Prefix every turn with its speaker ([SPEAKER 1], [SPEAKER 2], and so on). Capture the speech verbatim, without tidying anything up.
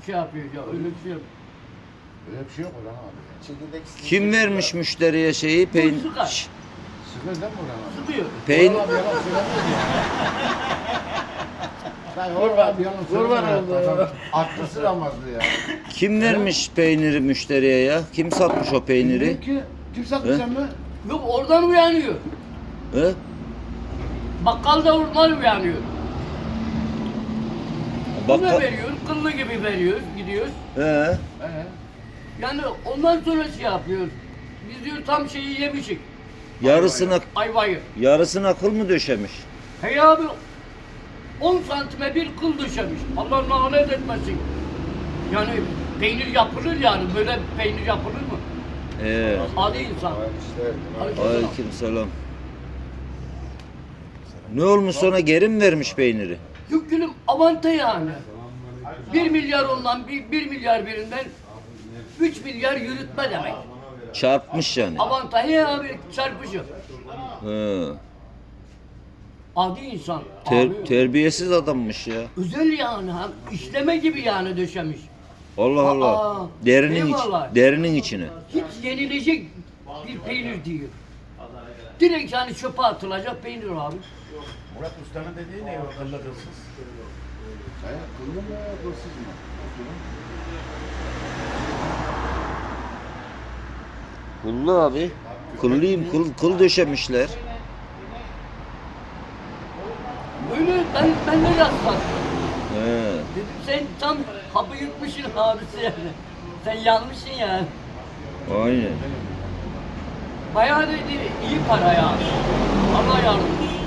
[SPEAKER 1] şey yapıyor ya, öyle bir şey yok.
[SPEAKER 2] Öyle bir şey yok Orhan abi.
[SPEAKER 3] Çekirdek
[SPEAKER 4] Kim vermiş müşteriye şeyi? Peyn
[SPEAKER 1] Sıkar.
[SPEAKER 4] Şş,
[SPEAKER 2] Sıkır değil mi Orhan abi?
[SPEAKER 1] Sıkıyor.
[SPEAKER 4] peyn
[SPEAKER 2] Orhan abi yalan söylemiyor ya. Ben
[SPEAKER 3] Kurban,
[SPEAKER 2] Orhan abi yalan
[SPEAKER 3] kurban
[SPEAKER 2] söylemiyor.
[SPEAKER 3] oldu.
[SPEAKER 2] Adam Aklısı damazlı ya.
[SPEAKER 4] Kim vermiş peyniri müşteriye ya? Kim satmış o peyniri?
[SPEAKER 2] Bilmiyorum ki. Kim sattı
[SPEAKER 4] He?
[SPEAKER 2] sen mi?
[SPEAKER 1] Yok oradan uyanıyor.
[SPEAKER 4] He?
[SPEAKER 1] Bakkal da oradan uyanıyor. Buna
[SPEAKER 4] Bakkal...
[SPEAKER 1] veriyor, kıllı gibi veriyor, gidiyor.
[SPEAKER 4] He.
[SPEAKER 2] He.
[SPEAKER 1] Yani ondan sonra şey yapıyor. Biz diyor tam şeyi yemişik.
[SPEAKER 4] Yarısına
[SPEAKER 1] Ayvayı.
[SPEAKER 4] yarısına kıl mı döşemiş?
[SPEAKER 1] Hey abi on santime bir kıl döşemiş. Allah lanet etmesin. Yani peynir yapılır yani. Böyle peynir yapılır mı?
[SPEAKER 4] Ee,
[SPEAKER 1] Hadi insan.
[SPEAKER 3] işte.
[SPEAKER 4] aleykümselam. Ne olmuş sonra geri mi vermiş peyniri?
[SPEAKER 1] Yok gülüm avanta yani. Bir milyar ondan, bir, bir milyar birinden üç milyar yürütme demek.
[SPEAKER 4] Çarpmış yani.
[SPEAKER 1] Avanta he abi çarpışıyor.
[SPEAKER 4] He.
[SPEAKER 1] Adi insan.
[SPEAKER 4] Ter-
[SPEAKER 1] abi.
[SPEAKER 4] terbiyesiz adammış ya.
[SPEAKER 1] Özel yani. Ha, işleme gibi yani döşemiş.
[SPEAKER 4] Allah Allah.
[SPEAKER 1] Aa,
[SPEAKER 4] Derinin iç,
[SPEAKER 1] eyvallah.
[SPEAKER 4] derinin içine.
[SPEAKER 1] Hiç yenilecek bir peynir diyor. Direkt yani çöpe atılacak peynir abi.
[SPEAKER 2] Murat Usta'nın dediği ne? O kıllı kılsız. He, kıllı mı kılsız mı?
[SPEAKER 4] Kullu abi. Kıllıyım, kıl, kıl döşemişler.
[SPEAKER 1] Böyle ben, ben de rastladım.
[SPEAKER 4] He.
[SPEAKER 1] Dedim sen tam hapı yutmuşsun abisi yani. Sen yanmışsın yani.
[SPEAKER 4] Aynen.
[SPEAKER 1] Bayağı dedi iyi para ya. Allah yardımcısı.